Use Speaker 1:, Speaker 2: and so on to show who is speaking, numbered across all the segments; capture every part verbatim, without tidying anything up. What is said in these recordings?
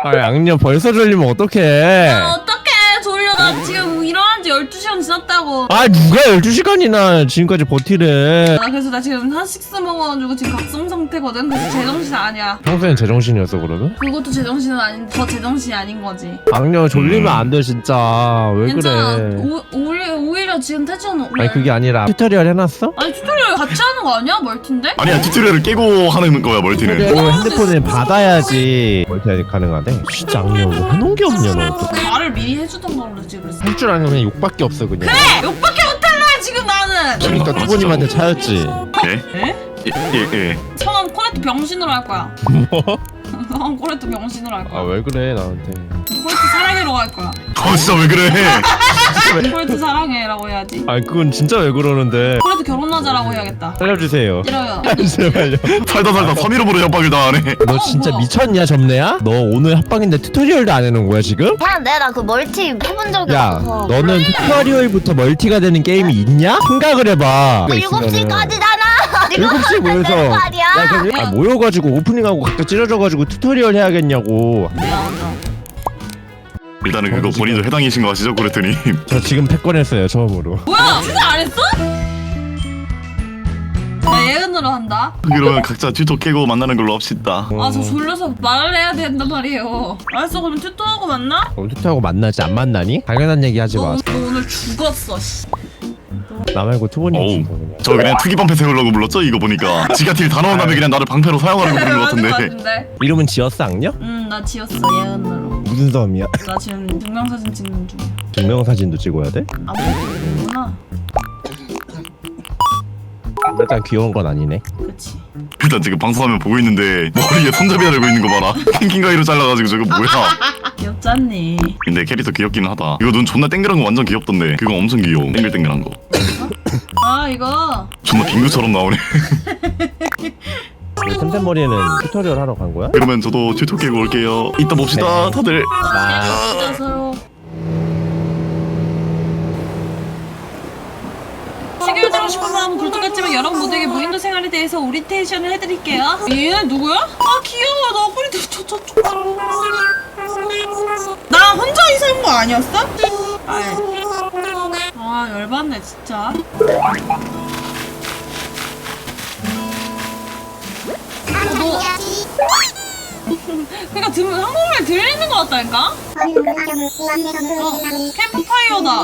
Speaker 1: 아 양녀 벌써 졸리면 어떡해.
Speaker 2: 아, 어떡해 졸려. 나 지금 일어난 지 열두 시간 지났다고.
Speaker 1: 아 누가 열두 시간이나 지금까지 버티래.
Speaker 2: 나 그래서 나 지금 한식스 먹어가지고 지금 각성 상태거든. 그래서 제정신 아니야.
Speaker 1: 평소엔 제정신이었어 그러면?
Speaker 2: 그것도 제정신은 아닌 더 제정신이 아닌 거지.
Speaker 1: 양녀 졸리면 안 돼 진짜. 왜
Speaker 2: 괜찮아.
Speaker 1: 그래.
Speaker 2: 오, 오히려, 오히려 지금 태준
Speaker 1: 아니 그게 아니라 튜토리얼 해놨어?
Speaker 2: 아니 튜토리얼 같이 하는 거 아니야? 멀티인데?
Speaker 3: 아니야 튜토리얼을 깨고 하는 거야 멀티는.
Speaker 1: 튜토리얼 핸드폰에 받아야지 멀티 가능하대. 진짜 양녀 뭐 해놓은 게 없냐 너. 또.
Speaker 2: 말을 미리 해주던 걸로 지금 그랬어.
Speaker 1: 할 줄 아는 거 그냥 욕밖에 없어 그냥.
Speaker 2: 그래! 욕밖에 못할라 지금 나는!
Speaker 1: 그러니까 투보님한테 차였지.
Speaker 3: 예?
Speaker 2: 에?
Speaker 3: 예, 예.
Speaker 2: 성함 코레트 병신으로 할 거야.
Speaker 1: 뭐?
Speaker 2: 성함 코레트 병신으로 할 거야.
Speaker 1: 아 왜 그래 나한테.
Speaker 2: 코레트 사랑해로 할 거야.
Speaker 3: 어 진짜 왜 그래?
Speaker 2: 코레트 사랑해라고 해야지.
Speaker 1: 아니 그건 진짜 왜 그러는데.
Speaker 2: 코레트 결혼하자라고 해야겠다.
Speaker 1: 살려주세요.
Speaker 2: 싫어요.
Speaker 1: 제발요.
Speaker 3: 살다 살다 삼일업으로 협박을 당하네.
Speaker 1: 너
Speaker 2: 어,
Speaker 1: 진짜
Speaker 2: 뭐야?
Speaker 1: 미쳤냐 점내야? 너 오늘 합방인데 튜토리얼도 안 해놓은 거야 지금?
Speaker 4: 그냥 내가 그 멀티 해본 적이
Speaker 1: 야
Speaker 4: 없어서.
Speaker 1: 너는 튜토리얼부터 멀티가 되는 게임이 있냐? 생각을 해봐.
Speaker 4: 일곱 시까지잖아.
Speaker 1: 일곱 시에 모여서
Speaker 4: 말이야.
Speaker 1: 야, 그럼 아, 모여가지고 오프닝하고 각자 찢어져가지고 튜토리얼 해야겠냐고.
Speaker 2: 미안하다.
Speaker 3: 일단은 그거 본인도 해당이신 거 아시죠 그랬더니.
Speaker 1: 저 지금 패권했어요 처음으로.
Speaker 2: 뭐야? 진짜 안 했어? 나 예은으로 한다.
Speaker 3: 그러면 각자 튜토 깨고 만나는 걸로 합시다.
Speaker 2: 아 저 졸려서 말을 해야 된단 말이에요. 알았어 그럼 튜토하고 만나?
Speaker 1: 그럼 튜토하고 만나지 안 만나니? 당연한 얘기 하지
Speaker 2: 너,
Speaker 1: 마.
Speaker 2: 너 오늘 죽었어 씨.
Speaker 1: 나 말고 투보님
Speaker 3: 어우
Speaker 1: 죽어 그냥.
Speaker 3: 저 그냥 투기 방패 세우려고 불렀죠 이거 보니까. 지가 딜 다 넣은 다음에 그냥 나를 방패로 사용하려고 부른 것
Speaker 2: 맞은 거
Speaker 3: 같은데.
Speaker 2: 같은데?
Speaker 1: 이름은 지었어 악녀?
Speaker 2: 응나 지었어 예은으로.
Speaker 1: 무슨 섬이야?
Speaker 2: 나 지금 증명사진 찍는 중이야.
Speaker 1: 증명사진도 찍어야 돼?
Speaker 2: 아무것도 모르구나.
Speaker 1: 일단 귀여운 건 아니네.
Speaker 2: 그치.
Speaker 3: 일단 지금 방송화면 보고 있는데 머리에 손잡이 달고 있는 거 봐라. 킹킹 가위로 잘라가지고 저거 뭐야.
Speaker 2: 귀엽잖니.
Speaker 3: 근데 캐릭터 귀엽기는 하다. 이거 눈 존나 땡글한 거 완전 귀엽던데. 그거 엄청 귀여워. 땡글땡글한 거.
Speaker 2: 아 이거
Speaker 3: 존나 빙구처럼 나오네.
Speaker 1: 템템머리는 튜토리얼 하러 간 거야?
Speaker 3: 그러면 저도 튜토 깨고 올게요. 이따 봅시다 다들.
Speaker 1: 아
Speaker 2: 진짜 서로. 해결되고 싶은 마음은 굴뚝같지만 여러분 모두에게 무인도 생활에 대해서 오리엔테이션을 해드릴게요. 얘 누구야? 아 귀여워. 나 꼬리도 저저 저. 나 혼자 이사한 거 아니었어? 아이. 아 열받네 진짜. 어, 너. 그러니까 들, 한국말 들리는 것 같다니까? 어, 캠프파이어다.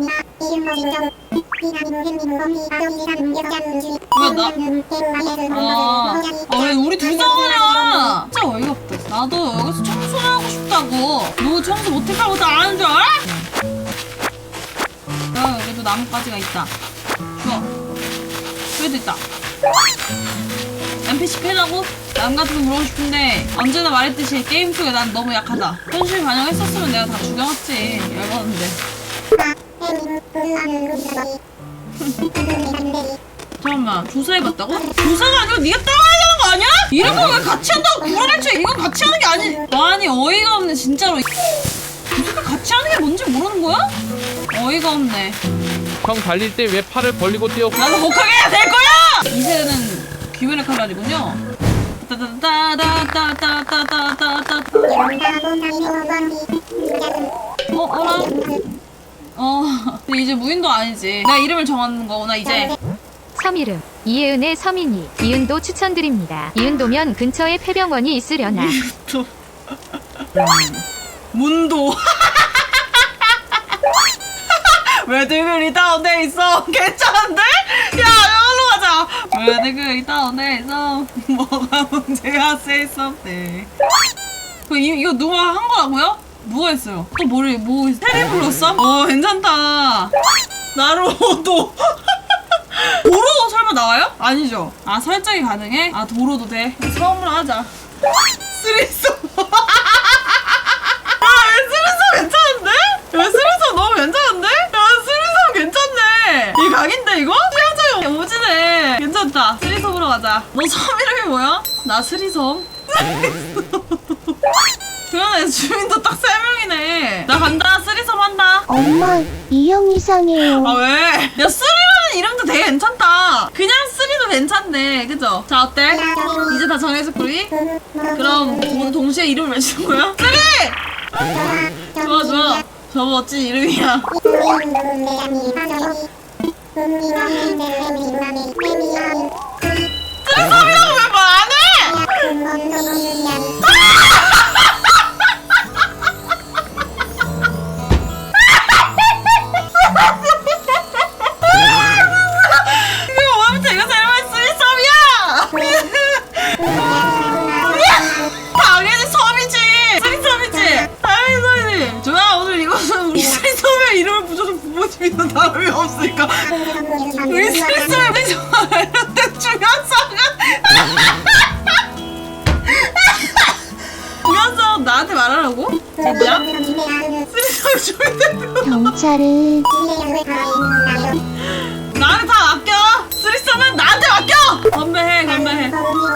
Speaker 2: 왜 나? 아, 아, 왜 우리 둘 싸우냐? 진짜 어이가 없다. 나도 여기서 청소하고 싶다고. 너 청소 못할 것도 아는 줄 알아? 야, 여기도 나뭇가지가 있다. 좋아. 여기도 있다. 엠피씨 패자고? 남 같은 거 물어보고 싶은데 언제나 말했듯이 게임 속에 난 너무 약하다. 현실 반영했었으면 내가 다 죽여놨지. 열받는데. 잠깐만 조사해봤다고? 조사가 아니고 네가 따라야 되는 거 아니야? 이런 거 왜 같이 한다고 구라를 쳐. 이건 같이 하는 게 아니. 아니 어이가 없네 진짜로. 무슨 같이 하는 게 뭔지 모르는 거야? 어이가 없네.
Speaker 5: 형 달릴 때 왜 팔을 벌리고 뛰어?
Speaker 2: 나도 못하게 해야 될 거야! 이 세대는 귀멸의 칼날이군요. 따다다다다다다다다다다. 어, 알아? 어, 근데 이제 무인도 아니지. 내가 이름을 정하는 거구나, 이제.
Speaker 6: 섬 이름 이예은의 섬이니 이은도 추천드립니다. 이은도면 근처에 폐병원이 있으려나.
Speaker 2: 또. 문도. 왜 등글이 다운돼 있어? 괜찮은데? 야, 여기로 가자. 왜 등글이 다운돼 있어? 뭐가 문제가 say something. 그 이, 이거 누가 한 거라고요? 누가 했어요? 또 뭐를 뭐 테리 불렀어? 어 괜찮다. 나로도. 도로 설마 나와요? 아니죠. 아 설정이 가능해? 아 도로도 돼. 처음으로 하자. 쓰리소. 아왜 쓰리소 괜찮은데? 왜 쓰리소 너무 괜찮은데? 야 쓰리소 괜찮네. 이 각인데 이거? 수영장이 오지네. 괜찮다. 쓰리섬으로 가자. 너 섬 이름이 뭐야? 나 스리섬. 그러네 주민도 딱 세 명이네. 나 간다. 쓰리섬 한다.
Speaker 4: 엄마, 이 형 이상해요.
Speaker 2: 아 왜? 야 쓰리라는 이름도 되게 괜찮다. 그냥 쓰리도 괜찮네. 그죠? 자 어때? 이제 다 정해졌고 우리? 그럼 모두 동시에 이름을 외치는 거야? 쓰리! 좋아 좋아. 저 멋진 이름이야. 쓰리썸이라고 왜 말 안 해? 이거 뭐하면 제가 잘못 쓰리썸이야! 당연히 섬이지! 쓰리썸이지! 당연히 섬이지! 좋아, 오늘 이것은 우리 쓰리썸의 이름을 붙여준 부모님이나 다름이 없으니까 우리 쓰리썸의 우리 관련된 중요한 사항은 중요한 사항 나한테 말하라고? 진짜? 쓰리썸 중요한
Speaker 4: 경찰은
Speaker 2: 나한테 다 맡겨! 쓰리썸은 나한테 맡겨! 건배해 건배해.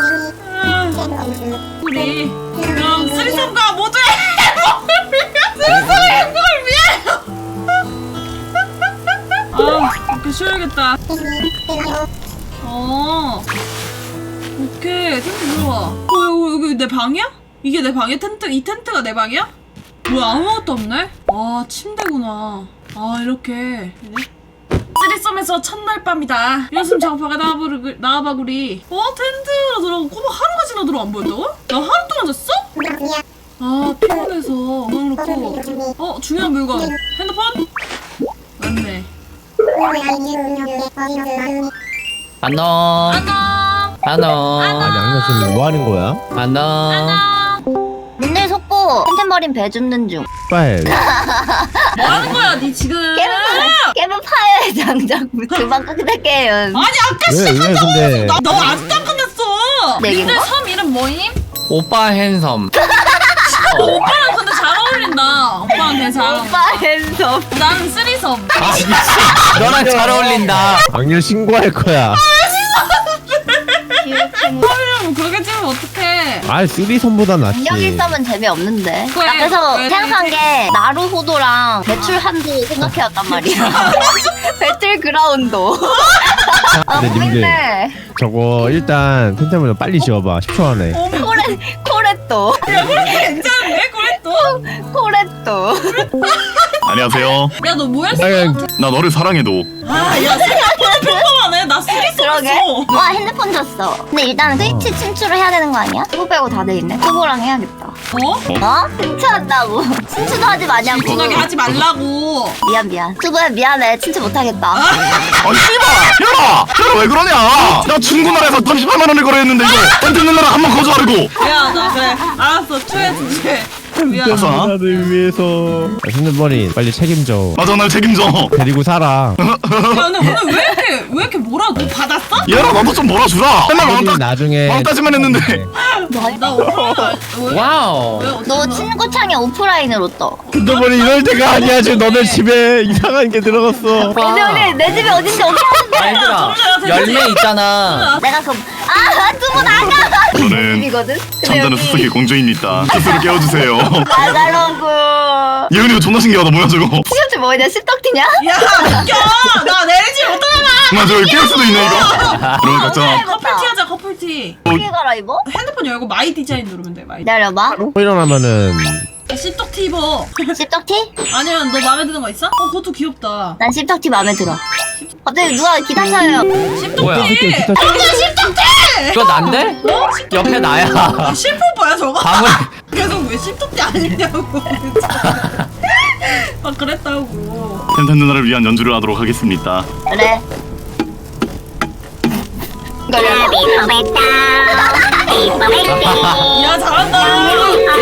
Speaker 2: 아, 우리 그럼 쓰리썸과 모두의 행복을 위해 쓰리썸의 행복을 위해 아 오케이 쉬어야겠다. 어 오케이 텐트 들어와. 어 여기, 여기 내 방이야? 이게 내 방이야? 텐트 이 텐트가 내 방이야? 뭐야 아무것도 없네? 아 침대구나. 아 이렇게 쓰리썸에서 첫날 밤이다. 연습 작업하가 나와바구리, 나와바구리. 어? 텐트로 들어가고 꼬박 하루가 지나 들어 안 보였다고? 나 하루 동안 잤어? 아 피곤해서 그냥 놓고. 어? 중요한 물건 핸드폰? 맞네.
Speaker 7: 안녕.
Speaker 2: 안녕.
Speaker 7: 안녕.
Speaker 1: 아니 양녀 지금 뭐 하는 거야?
Speaker 7: 안녕.
Speaker 4: 맨날 속고 템템버린 배 줍는 중.
Speaker 1: 빨.
Speaker 2: 뭐 하는 거야 니 지금?
Speaker 4: 깨면 깨면 파야해 당장. 금방 끝낼게요.
Speaker 2: 아니 아까
Speaker 1: 왜, 왜
Speaker 2: 시작한다고
Speaker 1: 근데-
Speaker 2: 해서 나, 너 아직도 안 끝냈어.
Speaker 4: 네
Speaker 2: 니들
Speaker 4: 개인가?
Speaker 2: 섬 이름 뭐임?
Speaker 7: 오빠 핸섬.
Speaker 2: 어, 오빠랑 근데 잘 어울린다. 오빠랑 되게 잘 어울린다.
Speaker 4: 오빠 핸섬.
Speaker 2: 나는 쓰리섬.
Speaker 7: 아 미친. 너랑 잘 어울린다.
Speaker 1: 양녀 신고할 거야.
Speaker 2: 섬이라면 그렇게 찍으면 어떡해.
Speaker 1: 아 쓰리섬보단 낫지.
Speaker 4: 공격일 섬은 재미없는데.
Speaker 2: 그래,
Speaker 4: 나 그래서
Speaker 2: 왜
Speaker 4: 생각한
Speaker 2: 그러지?
Speaker 4: 게 나루호도랑 배출 한도 생각해왔단 말이야. 배틀 그라운도. 아
Speaker 1: 근데 님들
Speaker 4: 재밌네.
Speaker 1: 저거 일단 텐트를 빨리 지어봐. 십 초 안에.
Speaker 4: 코레 코레또
Speaker 2: 야 그렇게 괜찮은데? 그래 또?
Speaker 4: 코레또.
Speaker 3: 안녕하세요.
Speaker 2: 야 너 뭐야?
Speaker 1: 그냥
Speaker 3: 나 너를 사랑해도.
Speaker 2: 아야 생각보다 평범하네. 나 쓰리섬
Speaker 4: 그러게.
Speaker 2: 했어.
Speaker 4: 와 핸드폰 줬어. 근데 일단 스위치 친추를 해야 되는 거 아니야? 투보 빼고 다 돼 있네. 투보랑 해야겠다.
Speaker 2: 어?
Speaker 4: 어? 친추한다고. 친추도 하지 마냐고.
Speaker 2: 진하게 하지 말라고.
Speaker 4: 미안 미안. 투보야 미안해. 친추 못하겠다.
Speaker 3: 아니 씨발! 야라! 야라 왜 그러냐! 나 중고나라에서 삼십팔만 원을 거래했는데 이거 텐트 누나라 한번 거절하고.
Speaker 2: 미안하다. 그래. 알았어. 추해 주제. 미안하다.
Speaker 3: 됐어.
Speaker 1: 나를 위해서. 핸드머리 빨리 책임져.
Speaker 3: 맞아 날 책임져.
Speaker 1: 데리고 살아.
Speaker 2: 야 근데 오늘 왜 이렇게 왜 이렇게 뭐라 너 받았어?
Speaker 3: 얘라 나도 좀 몰아주라. 맨날
Speaker 1: 우리
Speaker 3: 왕따
Speaker 1: 나중에
Speaker 3: 왕따지만 했는데.
Speaker 2: 나 오늘 왜?
Speaker 7: 와우.
Speaker 2: 왜 어떻게
Speaker 4: 너
Speaker 2: 나?
Speaker 4: 친구창에 오프라인으로 떠.
Speaker 1: 핸드머리 이럴 때가 아니야. 지금 너네 집에 이상한 게 들어갔어.
Speaker 4: 근데 우리 내 집이 어딘지 어떻게 하는데?
Speaker 7: 얘들아 열매 있잖아.
Speaker 4: 내가 그 아, 두분 나가.
Speaker 3: 저는
Speaker 4: 집이거든.
Speaker 3: 잠자는 수수께 공주입니다. 스스로 깨워주세요.
Speaker 4: 나가라고.
Speaker 3: 예은이가 존나 신기하다. 뭐야 저거.
Speaker 4: 티셔츠 뭐냐? 씹떡티냐?
Speaker 2: 야 웃겨. 나 내리지 못하잖아.
Speaker 3: 맞아 여기 깨울 수도 있네 이거. 그럼 각자
Speaker 2: 커플티 하자 커플티.
Speaker 4: 어떻게 갈아입어?
Speaker 2: 핸드폰 열고 마이 디자인 누르면 돼 마이.
Speaker 4: 기다려봐.
Speaker 1: 일어나면은
Speaker 2: 씹떡티 입어.
Speaker 4: 씹떡티?
Speaker 2: 아니면 너 마음에 드는 거 있어? 어 그것도 귀엽다.
Speaker 4: 난 씹떡티 마음에 들어. 갑자기 누가 기타 쳐요.
Speaker 2: 씹떡티.
Speaker 7: 뭐야?
Speaker 1: 기타 쳐.
Speaker 2: 언니 씹떡티.
Speaker 7: 이거 난데?
Speaker 2: 어? 씹떡티.
Speaker 7: 옆에 나야.
Speaker 2: 아, 실포뽀야 저거?
Speaker 7: 방울.
Speaker 2: 계속 왜 씹떡티 안 입냐고. 아 그랬다고.
Speaker 3: 텐텐 누나를 위한 연주를 하도록 하겠습니다.
Speaker 4: 그래.
Speaker 2: 야 잘한다.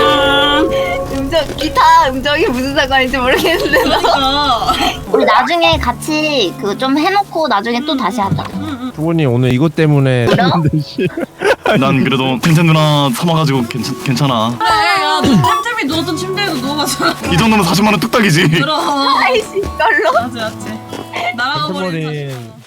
Speaker 4: 음정 기타 음정이 무슨 상관인지 모르겠는데.
Speaker 2: 그러니까.
Speaker 4: 우리 나중에 같이 그 좀 해놓고 나중에 또 다시 하자.
Speaker 1: 부모님 오늘 이것 때문에
Speaker 4: 그래요?
Speaker 1: 했는데, 씨.
Speaker 3: 난 그래도 텐텐 누나 삼아가지고 괜찮, 괜찮아.
Speaker 2: 그래 야너 템템이 누웠던 침대에도 누워봤잖아.
Speaker 3: 이 정도면 사십만 원 뚝딱이지.
Speaker 2: 그럼.
Speaker 4: 아이씨 이걸로.
Speaker 2: 맞지 맞지. 나랑 어버리
Speaker 1: 핸드머리